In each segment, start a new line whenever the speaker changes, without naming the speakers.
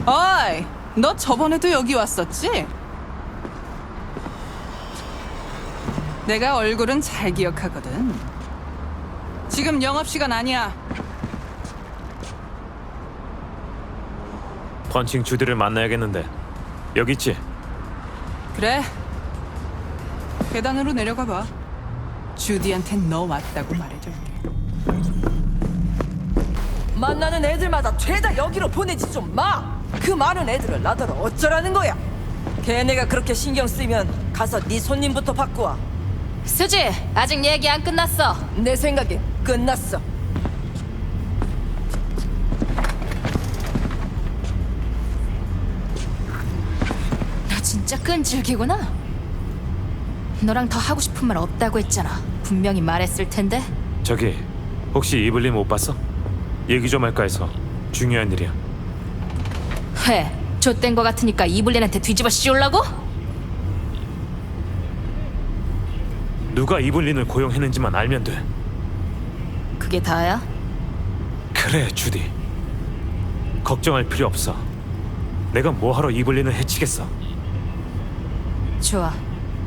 어이, 너 저번에도 여기 왔었지? 내가 얼굴은 잘 기억하거든. 지금 영업시간 아니야.
펀칭 주디를 만나야겠는데. 여기 있지?
그래. 계단으로 내려가 봐. 주디한텐 너 왔다고 말해줄게.
만나는 애들마다 죄다 여기로 보내지 좀 마! 그 많은 애들을 나더러 어쩌라는 거야? 걔네가 그렇게 신경 쓰이면 가서 네 손님부터 바꾸와.
수지, 아직 얘기 안 끝났어.
내 생각엔 끝났어.
너 진짜 끈질기구나. 너랑 더 하고 싶은 말 없다고 했잖아. 분명히 말했을 텐데.
저기 혹시 이블린 못 봤어? 얘기 좀 할까 해서. 중요한 일이야.
왜? 좆된 거 같으니까 이블린한테 뒤집어 씌우려고?
누가 이블린을 고용했는지만 알면 돼.
그게 다야?
그래, 주디. 걱정할 필요 없어. 내가 뭐하러 이블린을 해치겠어.
좋아.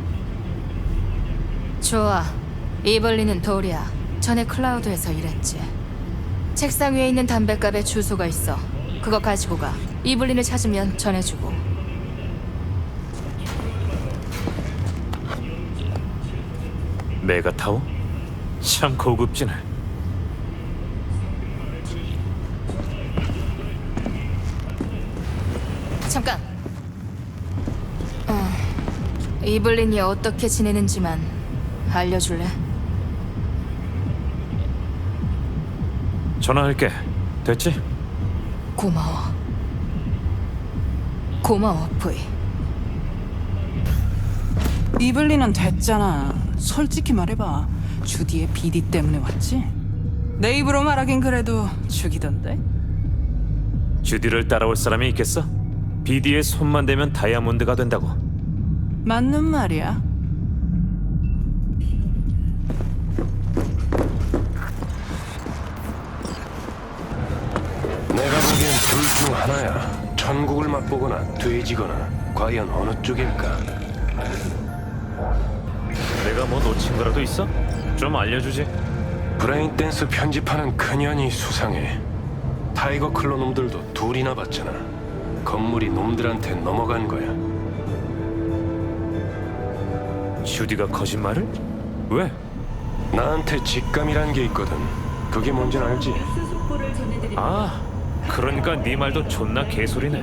좋아. 이블린은 돌이야. 전에 클라우드에서 일했지. 책상 위에 있는 담뱃갑에 주소가 있어. 그거 가지고 가. 이블린을 찾으면 전해주고.
메가타워? 참 고급지네.
잠깐. 이블린이 어떻게 지내는지만 알려줄래?
전화할게. 됐지?
고마워. 고마워, 부이.
이블린은 됐잖아. 솔직히 말해봐. 주디의 비디 때문에 왔지? 내 입으로 말하긴 그래도 죽이던데?
주디를 따라올 사람이 있겠어? 비디의 손만 대면 다이아몬드가 된다고.
맞는 말이야.
내가 보기엔 둘 중 하나야. 천국을 맛보거나 돼지거나. 과연 어느 쪽일까?
내가 뭐 놓친 거라도 있어? 좀 알려주지.
브레인 댄스 편집하는 그년이 수상해. 타이거 클로 놈들도 둘이나 봤잖아. 건물이 놈들한테 넘어간 거야.
주디가 거짓말을? 왜?
나한테 직감이란 게 있거든. 그게 뭔진 알지?
아, 그러니까 네 말도 존나 개소리네.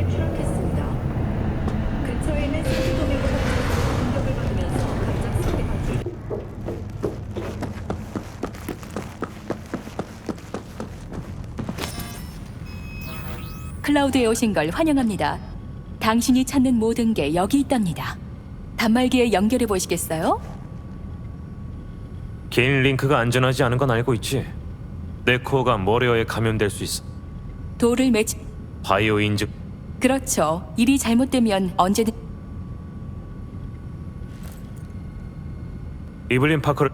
클라우드에 오신 걸 환영합니다. 당신이 찾는 모든 게 여기 있답니다. 단말기에 연결해 보시겠어요?
개인 링크가 안전하지 않은 건 알고 있지. 내 코어가 머레어에 감염될 수 있어.
돌을 매치...
바이오 인증.
그렇죠. 일이 잘못되면 언제든...
이블린 파커를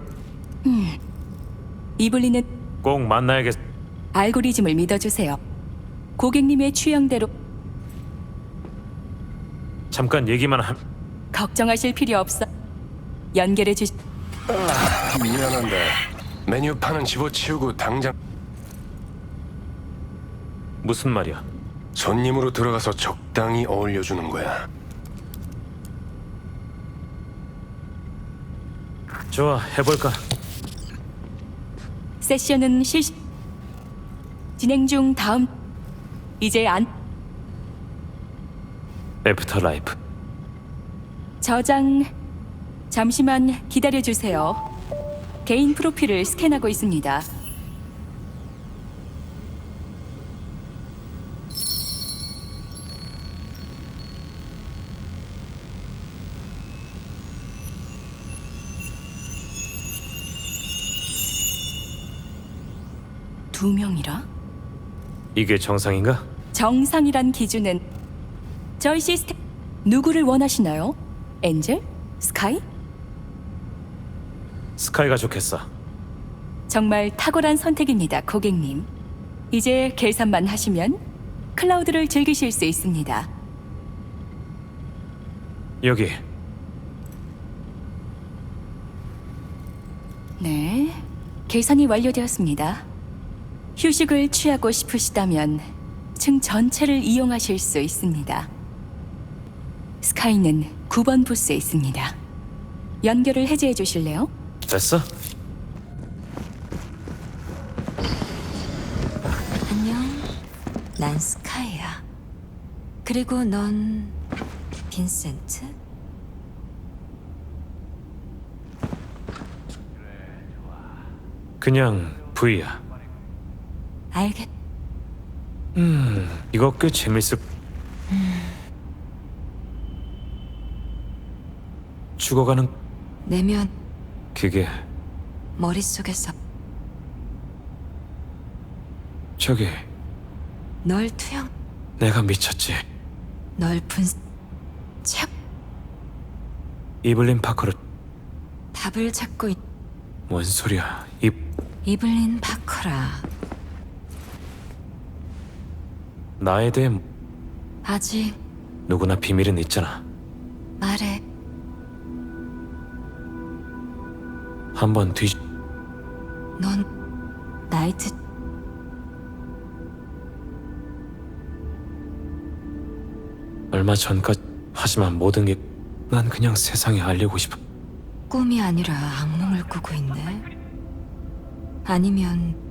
이블린은
꼭 만나야겠.
알고리즘을 믿어주세요. 고객님의 취향대로
잠깐 얘기만 함.
걱정하실 필요 없어. 연결해 주시...
미안한데 메뉴판은 집어치우고 당장
무슨 말이야?
손님으로 들어가서 적당히 어울려주는 거야.
좋아, 해볼까?
세션은 실시... 진행 중. 다음... 이제 안...
애프터 라이프.
저장... 잠시만 기다려주세요. 개인 프로필을 스캔하고 있습니다. 두 명이라?
이게 정상인가?
정상이란 기준은 저희 시스템... 누구를 원하시나요? 엔젤? 스카이?
스카이가 좋겠어.
정말 탁월한 선택입니다, 고객님. 이제 계산만 하시면 클라우드를 즐기실 수 있습니다.
여기.
네, 계산이 완료되었습니다. 휴식을 취하고 싶으시다면 층 전체를 이용하실 수 있습니다. 스카이는 9번 부스에 있습니다. 연결을 해제해 주실래요?
됐어?
안녕. 난 스카이야. 그리고 넌 빈센트?
그냥 V야.
알겠.
이거 꽤 재밌을. 죽어가는
내면
그게
머릿속에서
저기
널 투영,
내가 미쳤지.
널 책
이블린 파커를
답을 찾고 있.
뭔 소리야?
이블린 파커라.
나에 대해
아직
누구나 비밀은 있잖아.
말해.
한번 뒤.
넌 나이트.
얼마 전까지. 하지만 모든 게 난 그냥 세상에 알리고 싶어.
꿈이 아니라 악몽을 꾸고 있네. 아니면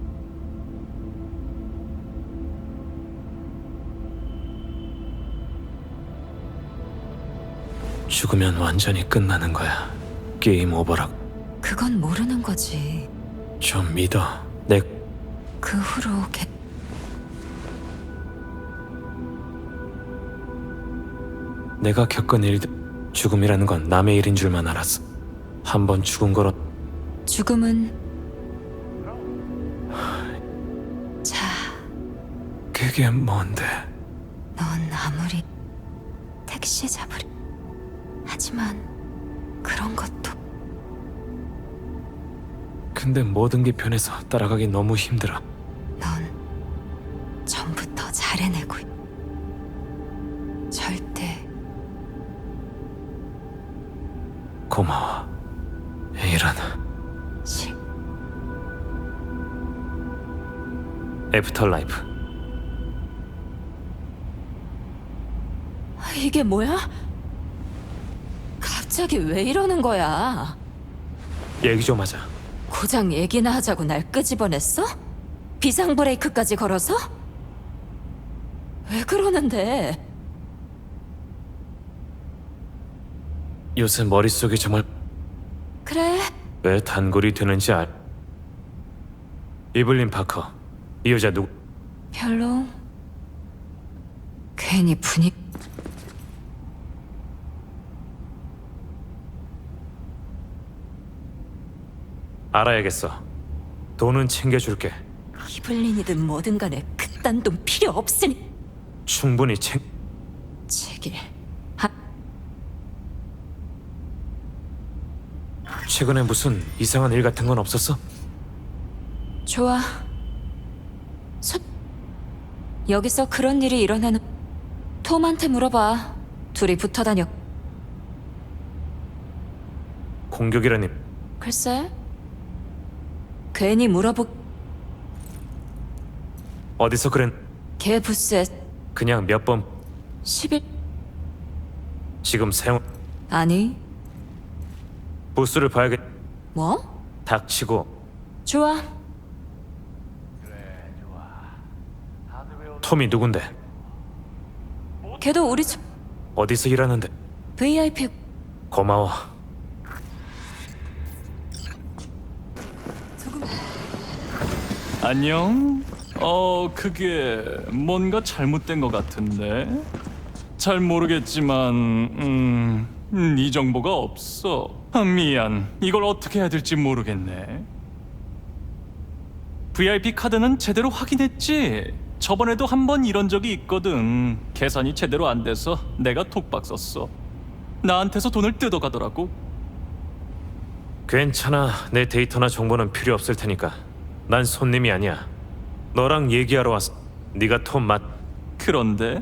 죽으면 완전히 끝나는 거야. 게임 오버라고.
그건 모르는 거지.
좀 믿어. 내
그 후로
내가 겪은 일들. 죽음이라는 건 남의 일인 줄만 알았어. 한 번 죽은 거로.
죽음은 자,
그게 뭔데?
넌 아무리 택시 잡으리. 하지만 그런 것도
근데 모든 게 변해서 따라가기 너무 힘들어.
넌 전부터 잘 해내고 절대
고마워. 이런
실
애프터라이프.
이게 뭐야? 갑자기 왜 이러는 거야?
얘기 좀 하자.
고장 얘기나 하자고 날 끄집어냈어? 비상 브레이크까지 걸어서? 왜 그러는데?
요새 머릿속이 정말
그래,
왜 단골이 되는지 알. 이블린 파커. 이 여자 누구?
별로 괜히 분위기
알아야겠어. 돈은 챙겨줄게.
이블린이든 뭐든 간에 그딴 돈 필요 없으니
충분히
제길
최근에 무슨 이상한 일 같은 건 없었어?
좋아. 여기서 그런 일이 일어나는 톰한테 물어봐. 둘이 붙어 다녀.
공격이라니.
글쎄, 괜히 물어보.
어디서 그랬?
걔 부스에
그냥 몇 번
10일
지금 사용.
아니
부스를 봐야겠.
뭐?
닥치고.
좋아.
톰이 누군데?
걔도 우리 집
어디서 일하는데?
VIP.
고마워.
안녕? 그게 뭔가 잘못된 것 같은데? 잘 모르겠지만, 이 정보가 없어. 미안. 이걸 어떻게 해야 될지 모르겠네. VIP 카드는 제대로 확인했지? 저번에도 한 번 이런 적이 있거든. 계산이 제대로 안 돼서 내가 톡박 썼어. 나한테서 돈을 뜯어가더라고.
괜찮아. 내 데이터나 정보는 필요 없을 테니까. 난 손님이 아니야. 너랑 얘기하러 왔어. 네가 톰 맞.
그런데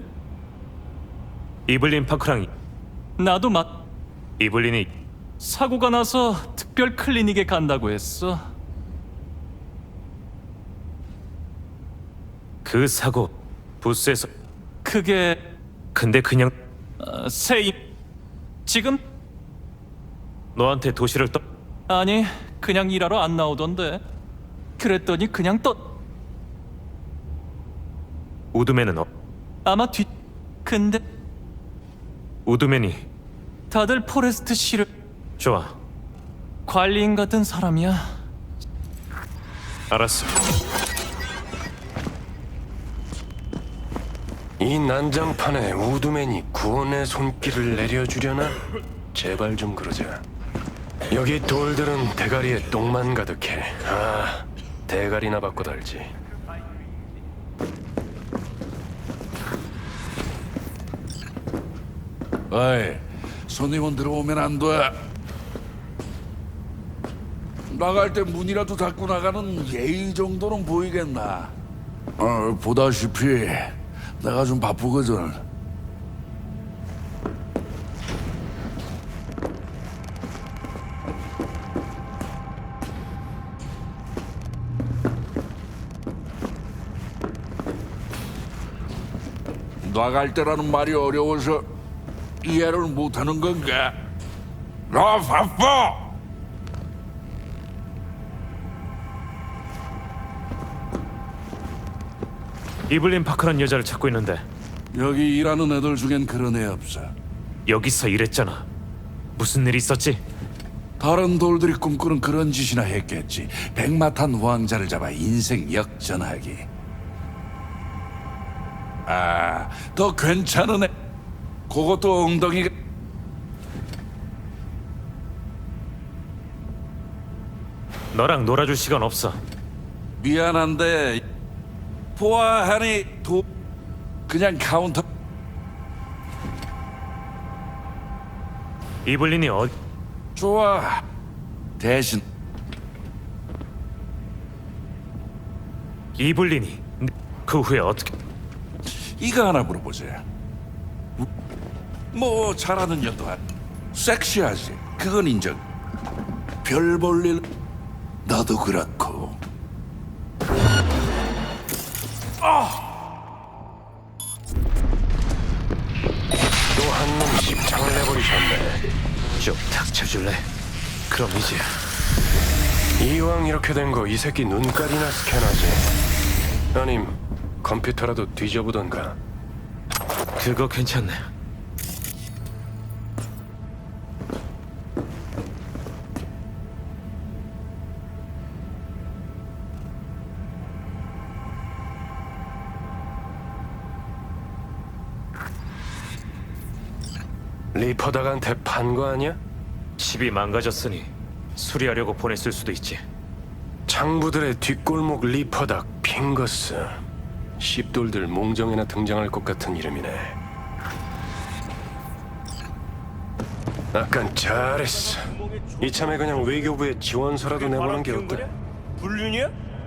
이블린 파크랑
나도
이블린이
사고가 나서 특별 클리닉에 간다고 했어.
그 사고 부스에서
그게
근데 그냥
세임 지금
너한테 도시를 떠
아니 그냥 일하러 안 나오던데. 그랬더니 그냥
우드맨은
아마 근데
우드맨이
다들 포레스트 씨를
좋아.
관리인 같은 사람이야.
알았어.
이 난장판에 우드맨이 구원의 손길을 내려주려나? 제발 좀 그러자. 여기 돌들은 대가리에 똥만 가득해. 아, 대가리나 바꿔 달지.
어이, 손님은 들어오면 안 돼. 나갈 때 문이라도 닫고 나가는 예의 정도는 보이겠나? 보다시피 내가 좀 바쁘거든. 나갈 때라는 말이 어려워서 이해를 못하는 건가? 나 바빠!
이블린 파크란 여자를 찾고 있는데
여기 일하는 애들 중엔 그런 애 없어.
여기서 일했잖아. 무슨 일 있었지?
다른 돌들이 꿈꾸는 그런 짓이나 했겠지. 백마탄 왕자를 잡아 인생 역전하기. 아, 더 괜찮은 애. 그것도 엉덩이가...
너랑 놀아줄 시간 없어.
미안한데 보아하니 그냥 카운터.
이블린이
좋아. 대신
이블린이 그 후에 어떻게
이거 하나 물어보자. 뭐 잘하는 년도 섹시하지. 그건 인정. 별 볼 일 나도 그렇고.
또 한 놈 십창을 내버리셨네.
좀 닥쳐줄래? 그럼 이제
이왕 이렇게 된 거 이 새끼 눈깔이나 스캔하지. 아님 컴퓨터라도 뒤져보던가.
그거 괜찮네.
리퍼닥한테 판 거 아니야?
집이 망가졌으니 수리하려고 보냈을 수도 있지.
창부들의 뒷골목 리퍼닥 핑거스. 씹돌들 몽정에나 등장할 것 같은 이름이네. 아깐 잘했어. 이참에 그냥 외교부에 지원서라도 내보는 게 어때?
불륜이야?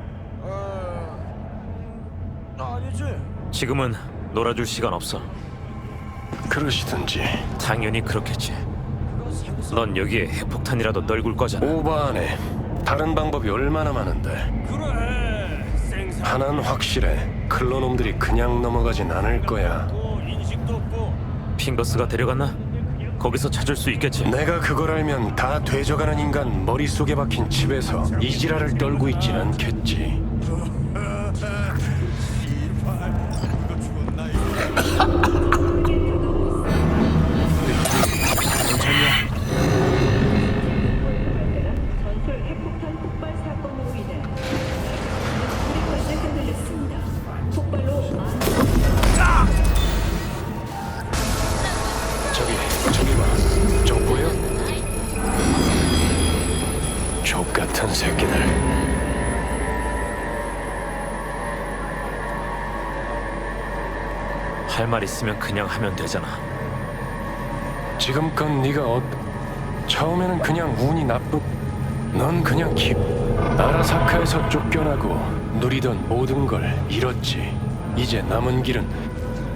아니지.
지금은 놀아줄 시간 없어.
그러시든지.
당연히 그렇겠지. 넌 여기에 핵폭탄이라도 널굴 거잖아.
오바하네. 다른 방법이 얼마나 많은데.
그래. 생산.
하나는 확실해. 클로놈들이 그냥 넘어가진 않을 거야.
인식도 없고.
핑거스가 데려갔나? 거기서 찾을 수 있겠지.
내가 그걸 알면 다 되져가는 인간 머릿속에 박힌 칩에서 이 지랄을 떨고 있진 않겠지. 저기 봐. 저 보여? 족 같은 새끼들.
할 말 있으면 그냥 하면 되잖아.
지금껏 네가 처음에는 그냥 운이 넌 그냥 아라사카에서 쫓겨나고 누리던 모든 걸 잃었지. 이제 남은 길은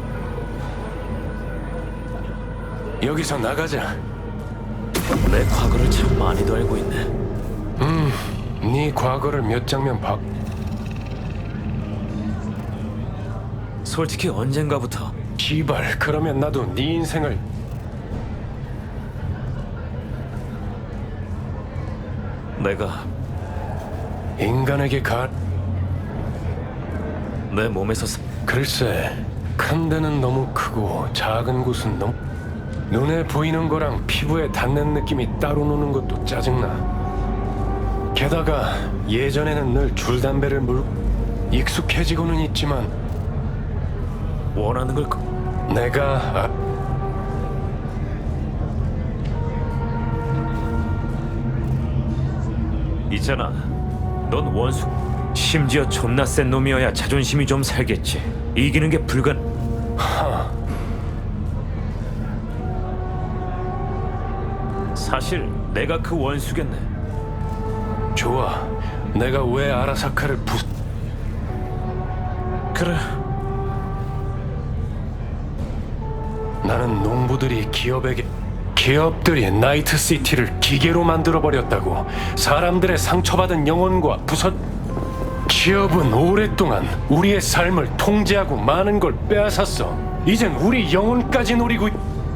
여기서 나가자.
내 과거를 참 많이도 알고 있네.
네 과거를 몇 장면 봐.
솔직히 언젠가부터
씨발, 그러면 나도 네 인생을
내가
인간에게
내 몸에서
글쎄, 큰 데는 너무 크고 작은 곳은 너무 눈에 보이는 거랑 피부에 닿는 느낌이 따로 노는 것도 짜증나. 게다가 예전에는 늘 줄담배를 물고 익숙해지고는 있지만
원하는 걸
내가
있잖아. 넌 원수. 심지어 존나 센 놈이어야 자존심이 좀 살겠지. 이기는 게 사실 내가 그 원수겠네.
좋아. 내가 왜 아라사카를
그래.
나는 농부들이 기업들이 나이트시티를 기계로 만들어버렸다고. 사람들의 상처받은 영혼과 기업은 오랫동안 우리의 삶을 통제하고 많은 걸 빼앗았어. 이젠 우리 영혼까지 노리고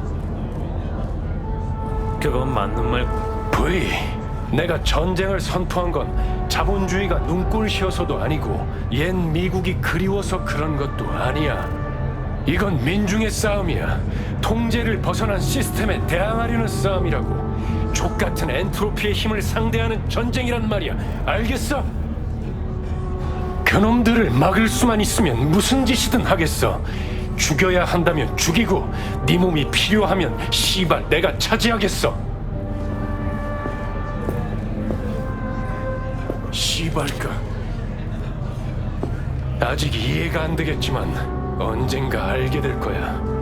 그건 맞는 말.
브이, 내가 전쟁을 선포한 건 자본주의가 눈꼴시어서도 아니고 옛 미국이 그리워서 그런 것도 아니야. 이건 민중의 싸움이야. 통제를 벗어난 시스템에 대항하려는 싸움이라고. 족같은 엔트로피의 힘을 상대하는 전쟁이란 말이야. 알겠어? 그놈들을 막을 수만 있으면 무슨 짓이든 하겠어. 죽여야 한다면 죽이고, 네 몸이 필요하면 씨발 내가 차지하겠어. 씨발까. 아직 이해가 안 되겠지만 언젠가 알게 될 거야.